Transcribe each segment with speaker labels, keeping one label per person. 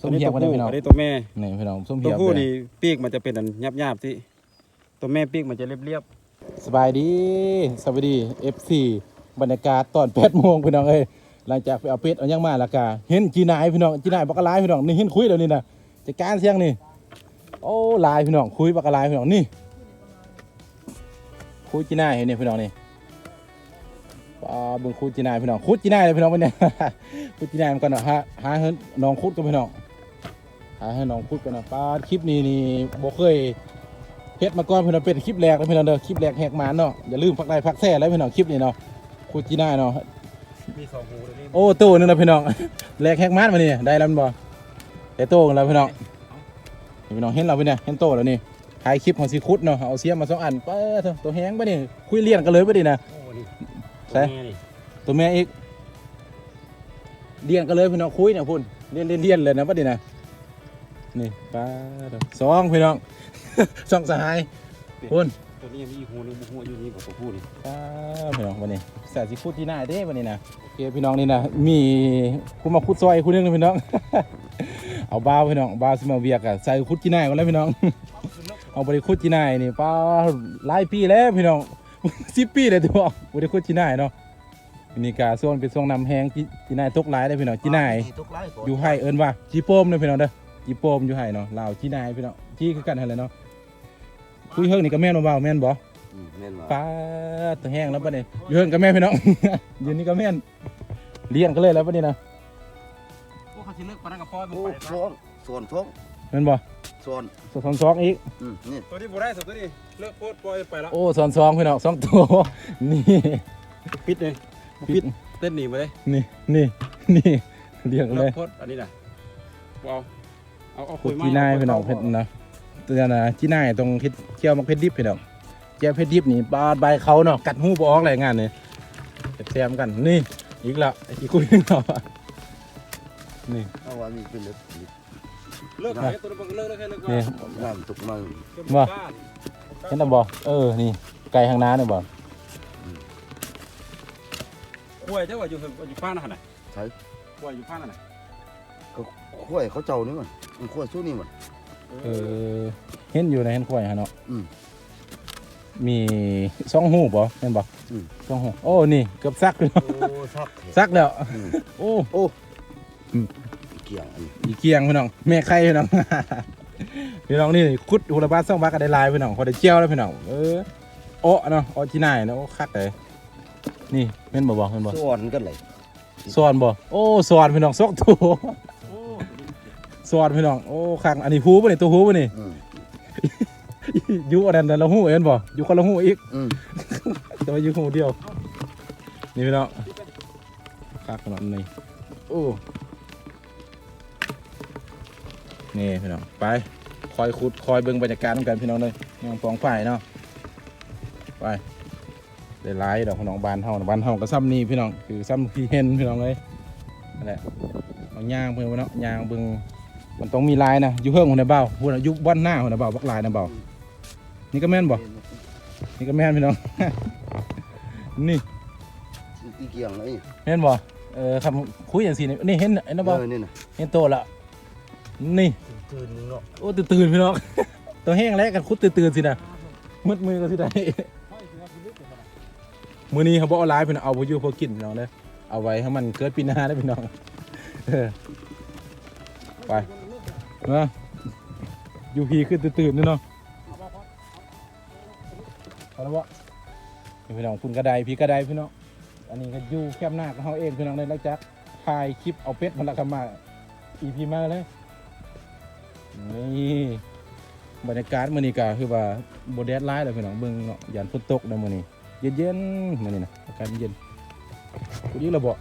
Speaker 1: ส้มเหี่ยวกันได้พี่น้อง
Speaker 2: อันนี้ตัวแม่
Speaker 1: นี่พี่น้องส้ม
Speaker 2: ตั
Speaker 1: เหี่
Speaker 2: ว
Speaker 1: ยว
Speaker 2: ผู้นี่ปีกมันจะเป็นอันหยาบๆที่ตัวแม่ปีกมันจะเรียบ
Speaker 1: สบายดีสวัสดี FC บรรยากาศตอน8 โมงพี่น้องเอ้ยหลังจากไปเอาเป็ดเอายังมาแล้วก็เห็นจีนายพี่น้องจีนายบักกะลายพี่น้องนี่เห็นคุยเดี๋ยวนี้นะจัดการเสียงนี่โอ้ลายพี่น้องคุยบักกะลายพี่น้องนี่คุยจีนายเห็นนี่พี่น้องนี่บึงคุยจีนายพี่น้องคุยจีนายเลยพี่น้องวันนี้ คุยจีนายมันกันเนาะหาเห็นน้องคุดกันพี่น้องหาให้น้องคุดกันเนาะป้าคลิปนี้นี่บ่เคยเฮ็ดมาก่อนพี่น้องเป็นคลิปแรกนะพี่น้องเด้อคลิปแรกแหกหมานเนาะอย่าลืมพักไลค์พักแซ่แล้วพี่น้องคลิปนี้เนาะคุยจีนายเนาะ
Speaker 2: ๆมี2หูตัวนี้
Speaker 1: โอ้ตู้นึงนะพี่น้อง แลกแฮกมาดมานี่ได้แล้วมันบ่แต่โต้กันแล้วพี่น้องพี่น้องเห็นเราพี่เนี่ยเห็นโต้แล้วนี่ถ่ายคลิปของซีคุดเนาะเอาเสียมมา2 อันเป้อตัวแห้งป่ะนี่คุยเลี้ยงกันเลยป่ะนี่นะ
Speaker 2: โอ้นี่
Speaker 1: ใช่ ตัวแม่อีกเลี้ยงกันเลยพี่น้องคุยเนี่ยพุ่นเลี้ยนเลยนะป่ะนี่นะนี่ป้าสองพี่น้อง สองสหายพุ่น
Speaker 2: ตัวนี้มีหูนึงหูอยู่นี่กับตัวผู้นี่
Speaker 1: ป้าพี่น้องวันนี้ใส่ซีคุดที่หน้าเด้วันนี้นะโอเคพี่น้องนี่นะมีคุณมาคุดซอยคุณนึงนะพี่น้อง เอาบ้าพี่น้องบ้าสมาเวียกอะใส่คุดจีน่ายกันแล้วพี่น้อง เอาบริคุดจีน่ายนี่ป้าหลายปีแล้วพี่น้อง 10 ปีเลยตัวบริคุดจีน่ายเนาะนี่กาส่วนเป็นส่วนนำแหงจีน่ายตกหลายได้พี่น้องจีน่ายอยู่ให้เอิ้นว่าจีโป้มเลยพี่น้องเด้อจีโป้มอยู่ให้เนาะลาวจีน่ายพี่น้องจีคือกันอะไรเนาะคุยเฮิงนี่ก็แม่นบ่าวแม่นบ่
Speaker 2: แม่นว่า
Speaker 1: ป้าตัวแห้งแล้วป่ะเนี่ยอยู่เฮิงกับแม่พี่น้อง อยู่นี่ก็แม่นเลี้ยงกันเลยแล้วป่ะนี่นะ
Speaker 2: โอ้เขาสิเลิกปานนั้นกับพ่อมัน
Speaker 3: โอ้
Speaker 2: ไป
Speaker 3: ส่วนท้อง
Speaker 1: แม่นบ่
Speaker 3: ส่วน
Speaker 1: สองอีก
Speaker 3: นี่
Speaker 2: ตัวนี้บ่ได้ตัวนี้เลิกโพดปล่อยไปแล้ว
Speaker 1: โอ้สองพี่น้อง2 ตัว นี่
Speaker 2: ปิดเลยปิดเต้นหนีมาเลย
Speaker 1: นี่เลี้ยงกัน
Speaker 2: เลิ
Speaker 1: เล
Speaker 2: ก
Speaker 1: ย
Speaker 2: โพดอันนี้น่ะว้าวเอา
Speaker 1: ขุดจีน่ายพี่น้องเพชรนะตัวนั้นนะจีน่ายตรงเคี่ยวมักเพชรดิบพี่น้องเจียวเพชรดิบนี่บาดใบเขาเนาะกัดหูบ่ออกอะไรงานนี่แซมกันนี่อีกแล้วไอ้ที่คุยเนาะนี่
Speaker 3: เอาว่ามีเป็นเล็ก
Speaker 2: เลิกตัวนี้เลิกแค่เลิก
Speaker 1: นี่
Speaker 3: น้ำตกมา
Speaker 1: เห็นแล้วบ่นี่ไก่ทางน้าเนี่ยบ่
Speaker 2: ป่วยเจ้าว่าอยู่ข้างนั่นน่ะ
Speaker 3: ใช่
Speaker 2: ป่วยอยู่ข้างนั่นน่ะ
Speaker 3: ก็ขั้วเขาเจ้านี่มันขั้วสู้นี่มัน
Speaker 1: เห็นอยู่ในเห็นควายฮะเนาะ
Speaker 3: อืม
Speaker 1: มี2 หูบ่เห็นบ่ 2 หูโอ้นี่เกือบซักเลย
Speaker 3: โอ้ซัก
Speaker 1: ซักแล้วโอ้
Speaker 3: โอ้เกี่ยงอัน
Speaker 1: อีเกียงพี่น้องแม่ไข่พี่น้อง พี่น้องนี่คุดหูละบาท2 บาทก็ได้ลายพี่น้องพอได้เจียวแล้วพี่น้องโอ้เนาะโอ้ที่ไหนเนาะโอ้คักเลยนี่แม่นบ่เห็นบ่
Speaker 3: ส่วนกันเลย
Speaker 1: สอนบ่โอ้สอนพี่น้อง2 ตัวสอนพี่น้องโอ้คักอันนี้หูบ่นี่ตัวหูบ่นี่ อยู่อันนั้นละหูเห็นบ่อยู่คนละหูอีกแต่ว่าอยู่หูเดียวนี่พี่น้องคักขนาดนี้โอ้นี่พี่น้องไปคอยขุดคอยเบิ่งบรรยากาศกันพี่น้องเลยยังปองฝ่ายเนาะไปได้หลายดอกพี่น้องบ้านเฮาก็ซ้ำนี่พี่น้องคือซ้ำที่เห็นพี่น้องเลยนั่นแหละเอาย่างเพิ่นเนาะย่างเบิ่งมันต้องมีลายนะอยู่เฮิงหัวหน้าเบาพูดนะอยู่บ้านหน้าหัวหน้าเบาบักลายนะเบานี่ก็แม่นบ่นี่ก็แม่นพี่น้อง นี่
Speaker 3: อีเกี่ยงเลย
Speaker 1: แม่นบ่คำคุยอย่างสินี่เห็นไอ้นะบ่
Speaker 3: นี่นะ
Speaker 1: เห็นโตละนี่
Speaker 3: ตื่นเนาะ
Speaker 1: โอ้ตื่นพี่น้อง ตัวแห้งแล้วกันคุดตื่นสินะมืดมือก็สิได้ มื้อนี้เขาบ่เอาหลายพี่น้องเอาบ่อยู่พอกินพี่น้องเด้อเอาไว้ให้มันเกิดปีหน้าได้อพี่น้องไปเนาะอยู่พีขึ้นตื่นๆนี่เนาะเอาละวะพี่น้องคุณกระไดพี่กระไดพี่น้องอันนี้ก็อยู่แคบหน้าของเขาเองพี่น้องได้แล้วจักถ่ายคลิปเอาเป็ดมันละกันมาอีพีมาเลยนี่บรรยากาศมื้อนี้ก็คือว่าบ่แดดร้ายเลยพี่น้องเบิ่งเนาะยานฝนตกนะมื้อนี้เย็นๆมื้อนี้นะอากาศเย็นกูดีละบ่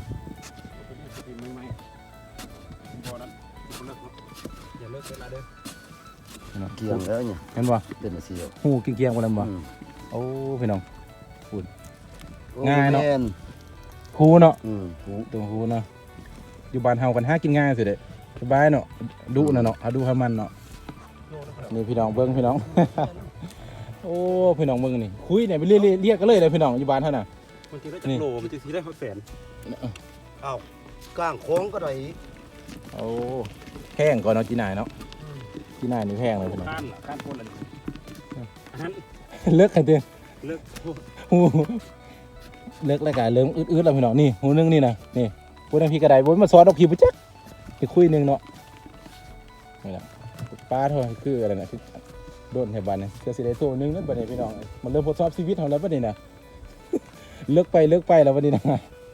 Speaker 2: อย่าเลิกเวลาเด้อ
Speaker 3: เกี่ยงแล้วเนี่ย
Speaker 1: เห็นบ่
Speaker 3: เป็นอะไรเสียว
Speaker 1: หูเกียงๆบ่นำบ่โอ้พี่น้องง่ายเนาะหูเนาะตัวหูเนาะอยู่บ้านเฮากันหากินง่ายสิเด้สบายเนาะดุน่ะเนาะเอาดูให้มันเนาะนี่พี่น้องเบิ่งพี่น้อง โอ้พี่น้องเบิ่งนี่คุยเนี่ยไปเรียกกันเลยพี่น้องอยู่บ้านเฮาน่ะ
Speaker 2: มันจะได้จักโลมันจะสิได้แสน
Speaker 3: อ้าวก้างโค้งก็ได้
Speaker 1: โอ้แพงก่อนเนาะจีน่ายเนาะจีน่ายนี่แพงเลยพี่น้อง
Speaker 2: ข้านคนละอันนั้น
Speaker 1: เลิกกันเตือน
Speaker 2: เลิก
Speaker 1: หูเลิกรายการเริ่มอืดๆแล้วพี่น้องนี่หูนึงนี่นะนี่พูดทางพี่กระไดบนมาซอสดอกผีปุ๊จ๊กไปคุยนึงเนาะนี่แหละป้าเท่าคืออะไรนะคือโดนแถวบ้านนี่เจอสิได้ตัวนึงนั่นบัดนี้พี่น้องมันเริ่มทดสอบชีวิตของเราบัดนี้นะ เลิกไปแล้วบัดนี้นะ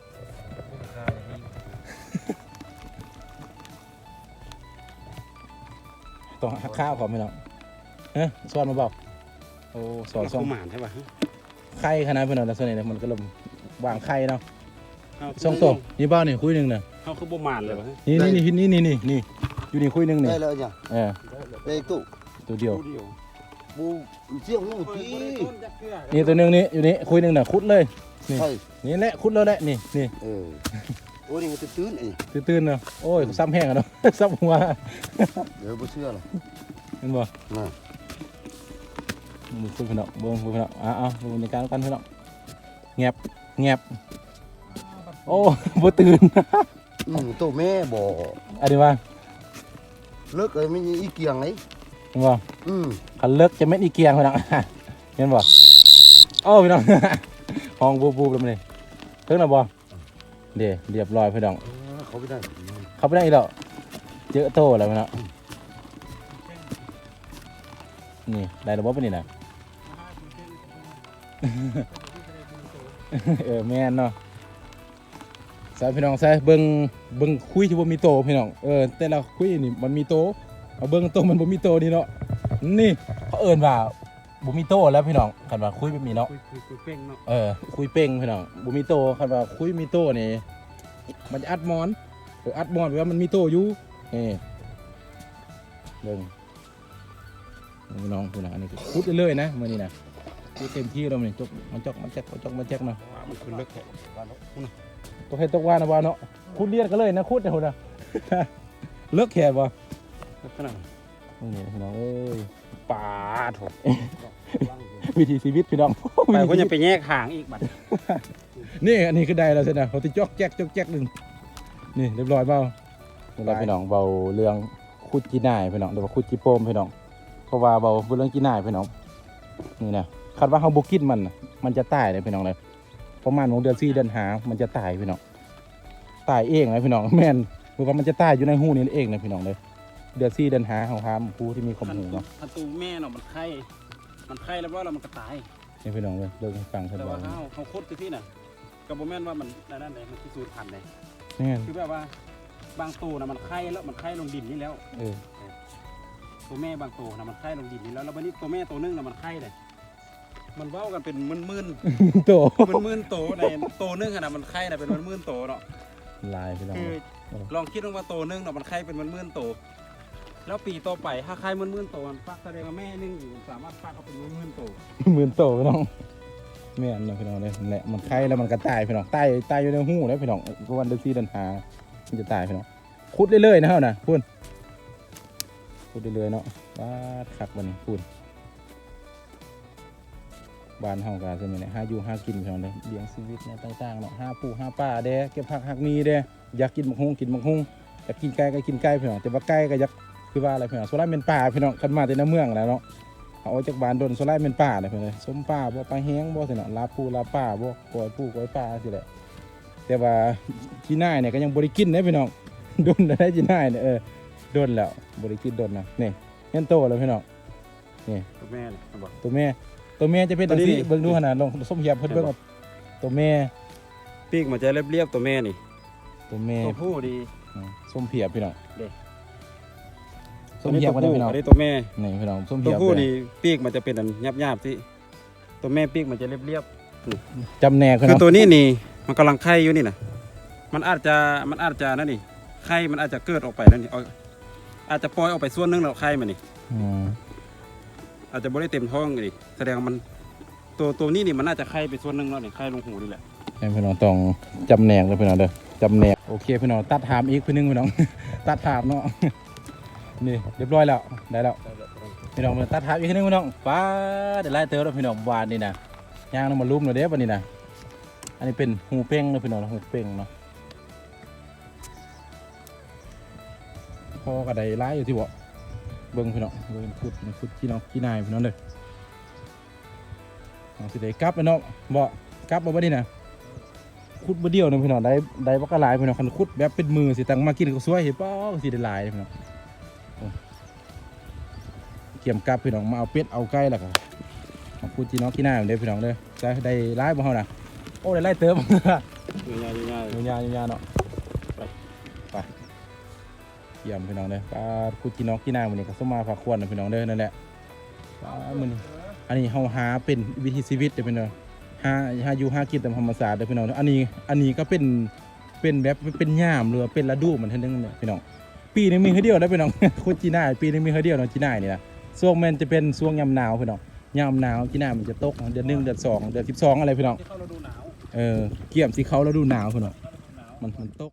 Speaker 1: ต้องหักข้าวก่อนพี่น้องเฮ้ยสอนมาบอกโอ้สอน
Speaker 2: เรา
Speaker 1: สอน
Speaker 2: หมานใช่ป่ะ
Speaker 1: ไข่ขนาดพี่น้องแล้วส่วนนี้มันก็เริ่มวางไข่เนาะสองตัวนี่บ้านนี่คุยหนึ่งนะ
Speaker 2: เขาคือบ่หมานเลยป่ะ
Speaker 1: นี่อยู่นี่คุยหนึ่งนี่
Speaker 3: ได้แล้วเนี่ย
Speaker 1: เออ
Speaker 3: ได้ตู้
Speaker 1: ตัวเดียว
Speaker 3: บูเสี่ยงลูกที
Speaker 1: นี่ตัวหนึ่งนี่อยู่นี่คุยหนึ่งน่ะคุดเลยนี่
Speaker 3: ใช่
Speaker 1: นี่แหละคุดแล้วแหละนี่
Speaker 3: โอ้ยนี่มันตื้นไอ้
Speaker 1: ตื่นๆเนาะโอ้ยซ้ำแห้งอะเนาะ ซ้ำหัว
Speaker 3: เดี๋ยวบ่เชื่อหรอก
Speaker 1: เห็นบ่
Speaker 3: น่ะ
Speaker 1: มือคุยพี่น้องเบิ่งพี่น้องอ้าวดูในการกันพี่น้องแงบโอ้ บ่ตื่น
Speaker 3: ตัวแม่บ่
Speaker 1: อันนี้ว่า
Speaker 3: เลิกเลยไม่มีอีเกียงไหน
Speaker 1: เห็นบ่ คันเลิกจะเม็ดอีเกียงพี่น้อง เห็นบ่โอ้พี่น้อง ห้องบูบๆแล้วมันนี่ถึงแล้วบ่เดี๋ยวเรียบร้อยพี่น้อง
Speaker 3: เขาไม่ได้
Speaker 1: เข้าไปได้อีกแล้วเจอโตแล้วพี่น้องนี่ได้ระบบปะนี่นะ แม่นเนาะใส่พี่น้องใส่เบิ่งคุยที่บ่มีโตพี่น้องแต่ละคุยนี่มันมีโตเอาเบิ่งโตมันบ่มีโตนี่เนาะนี่เขาเอิ้นว่าบ่มีโตแล้วพี่น้องคันว่าคุยแบบนี้เนาะ
Speaker 2: คุยเป้งเนาะ
Speaker 1: คุยเป้งพี่น้องบ่มีโตคันว่าคุยมีโตนี่มันจะอัดมอนอัดมอนแปลว่ามันมีโตอยู่นี่เบิ่งพี่น้องพี่น้องอันนี้คือคุดเรื่อยๆนะมื้อนี้นะคุดเต็มที่แล้วมันจกมันแจ๊กเนาะ
Speaker 2: มันคือเลิกแค่
Speaker 1: ตกเฮ็ดตกว่านะว่าเนาะคุดเลียนกันเลยนะคุดเนี่ยพุ่นน่ะ เลิกแค่บ่
Speaker 2: เลิกขนาด
Speaker 1: นี่พี่น้องเอ้ย
Speaker 2: ป่าโถ
Speaker 1: วิถีชีวิตพี่น้อง
Speaker 2: ไปเขาจะไปแยกห่างอีกบัด
Speaker 1: นี่อันนี้คือได้แล้วใช่ไหมเขาติจอกแจ๊กหนึ่งนี่เรียบร้อยเปล่าเราพี่น้องเบาเรื่องคุดจีน่ายพี่น้องหรือว่าคุดจีโปมพี่น้องเพราะว่าเบาเรื่องจีน่ายพี่น้องนี่นะคาดว่าเขาบุกินมันจะตายเลยพี่น้องเลยประมาณเดือน4 เดือน5มันจะตายพี่น้องตายเองนะพี่น้องแม่นเพราะว่ามันจะตายอยู่ในหูนี่เองนะพี่น้องเลยเดือน4 เดือน5เขาห้ามผู้ที่มีความหูเนาะ
Speaker 2: ถ้าตูแม่เนาะมันไข้แล้วว่ามันก็ตาย
Speaker 1: นี่พี่น้องเลยเลิกให้ฟังท่าน
Speaker 2: แต่
Speaker 1: บอ
Speaker 2: ว่าก เขาโคตรที่น่ะกับโบแม่นว่ามันนั่นเลยมันคือสูตรพันธุ์เลย
Speaker 1: นี่
Speaker 2: คือแบบว่าบางตัวนะมันไข้แล้วมันไข้ลงดินนี่แล้ว ตัวแม่บางตัวนะมันไข้ลงดินนี่แล้ววันนี้ตัวแม่ตัวนึงนะมันไข้เลยมันเว้ากันเป็นมื่น
Speaker 1: โต
Speaker 2: มื่นโตในตัวนึงนะมันไข้นะเป็นมื่นโตเนาะ
Speaker 1: ลายพี่น้อง
Speaker 2: คือลองคิดว่าตัวนึงเนาะมันไข้เป็นมื่นโตแล้วปีต่อไปถ้าไข้มื่นโตมันฟักแสดงว่าแม่นึงอยู่สามารถฟักเอาเป็นมื่นโต
Speaker 1: หมื่นโตพี่น้องแม่นเนาะพี่น้องเลยนั่นแหละมันไข่แล้วมันก็ตายพี่น้องตายอยู่ในหูแล้วพี่น้องก็วันเดือน4 เดือน5มันจะตายพี่น้องขุดเรื่อยๆนะเฮานะพูนขุดเรื่อยๆเนาะบ้าดคักบัดนี้พูนบ้านเฮาก็จะมีเนี่ยหาอยู่หากินพี่น้องเลยเลี้ยงชีวิตเนี่ยต่างๆเนาะหาปูหาปลาเด้เก็บผักหักมีเด้อยากกินบักฮุงอยากกินไก่ก็กินไก่พี่น้องแต่ว่าไก่ก็อยากคือว่าอะไรพี่น้องโซล่าเป็นป่าพี่น้องคันมาแต่ในเมืองแล้วเนาะเอาจากบ้านโดนโซล่าเป็นป่าเลยพี่น้องส้มป่าบ่ปลาแห้งบ่สิเนาะลาปูลาป่าบ่กอยปูกอยป่าสิแหละแต่ว่าที่น่ายเนี่ยก็ยังบ่ได้กินนะพี่น้อง โดนได้ที่น่ายเนี่ยโดนแล้วบ่ได้กินโดนนะนี่เห็นโตแล้วพี่น้องนี่
Speaker 2: ตัวแม่เลยบอก
Speaker 1: ตัวแม่จะเป็นจังซี่เบิ่งดูหั่นน่ะลองส้มเหียบเพิ่นเบิ่งว่าตัวแม่
Speaker 2: ปีกมันจะเรียบๆตัวแม่นี่
Speaker 1: ตัวแม่
Speaker 2: ตัวผู้ดี
Speaker 1: ส้มเหียบพี่น้อง
Speaker 2: เด้
Speaker 1: ส้มเหียบบ่ได้พี่น้อง
Speaker 2: อันนี้ตัวแม่
Speaker 1: นี่พี่น้องส้ม
Speaker 2: ตั
Speaker 1: เหี
Speaker 2: วย
Speaker 1: บ
Speaker 2: ผู้
Speaker 1: เลย
Speaker 2: นี่ปีกมันจะเป็นอันหยาบๆที่ตัวแม่ปีกมันจะเรียบ
Speaker 1: จำแนก
Speaker 2: ๆ
Speaker 1: พี่
Speaker 2: คือ
Speaker 1: น้อง
Speaker 2: ตัวนี้นี่มันกำลังไข่อยู่นี่นะมันอาจจะนั่นนี่ไข่มันอาจจะเกิดออกไปนั่นนี่อาจจะปล่อยออกไปส่วนหนึงแล้วไข่มันนี่
Speaker 1: อืม
Speaker 2: อาจจะไม่ได้เต็มท้องนี่แสดงว่ามันตัวนี้นี่มันน่าจะไข่ไปส่วนหนึงแล้วนี่ไข่ลงหูนี่แหละ
Speaker 1: ให้พี่น้องต้องจำแนกเลยพี่น้องเด้อจำแนกโอเคพี่น้องตัดถามอีกพี่นึงพี่น้อง ตัดถามเนาะ นี่เรียบร้อยแล้วได้แล้วพี่น้องมาตัดถามอีกทีนึงพี่น้องป้าเดี๋ยวไล่เติร์แล้วพี่น้องวานนี่นะย่างน้ำมาลุ่มเลยเด้อวันนี้นะอันนี้เป็นหูเป้งเนาะพี่น้องหูเป้งเนาะพอก็ได้หลายอยู่ที่บ่เบิ่งพี่น้องเบิ่งขุดพี่น้องขี้นายพี่น้องเด้อเอาสิได้กลับแล้วเนาะบ่กลับบ่บัดนี้นะขุดบ่เดียวนึงพี่น้องได้บ่ก็หลายพี่น้องคันขุดแบบเป็นมือสิตั้งมากินก็สวยเห็นบ่สิได้หลายพี่น้องโอ้เกี่ยมกลับพี่น้องมาเอาเป็ดเอาไก่แล้วก็มาขุดพี่น้องขี้นายเด้อพี่น้องเด้อจะได้หลายบ่เฮาน่ะโอ้ได้หลายเติม
Speaker 2: ง่าย
Speaker 1: ยาเนาะไปเยี่ยมพี่น้องเด้อปลาคุดกินน้องกินนายมื้อนี้ก็สมมาฝากควรนะพี่น้องเด้อนั่นแหละปลามื้อนี้อันนี้เฮาหาเป็นวิถีชีวิตเด้อพี่น้องหาอยู่หากินตามธรรมชาติเด้อพี่น้องอันนี้ก็เป็นแบบเป็นยามหรือเป็นฤดูมันเท่านึงเนี่ยพี่น้องปีนึงมีเฮือเดียวได้อพี่น้อง คุดจีน่ายปีนึงมีเฮือเดียวเนาะจีน่ายนี่นะช่วงแม่นจะเป็นช่วงยามหนาวพี่น้องยามหนาวจีน่ายมันจะตกเดือน1เดือน2เดือน12อะไรพี่น้อง
Speaker 2: ที่เข้าฤดูหนาว
Speaker 1: เกี่ยมสิเขาแล้วดูหนาวพี่น้องมันตก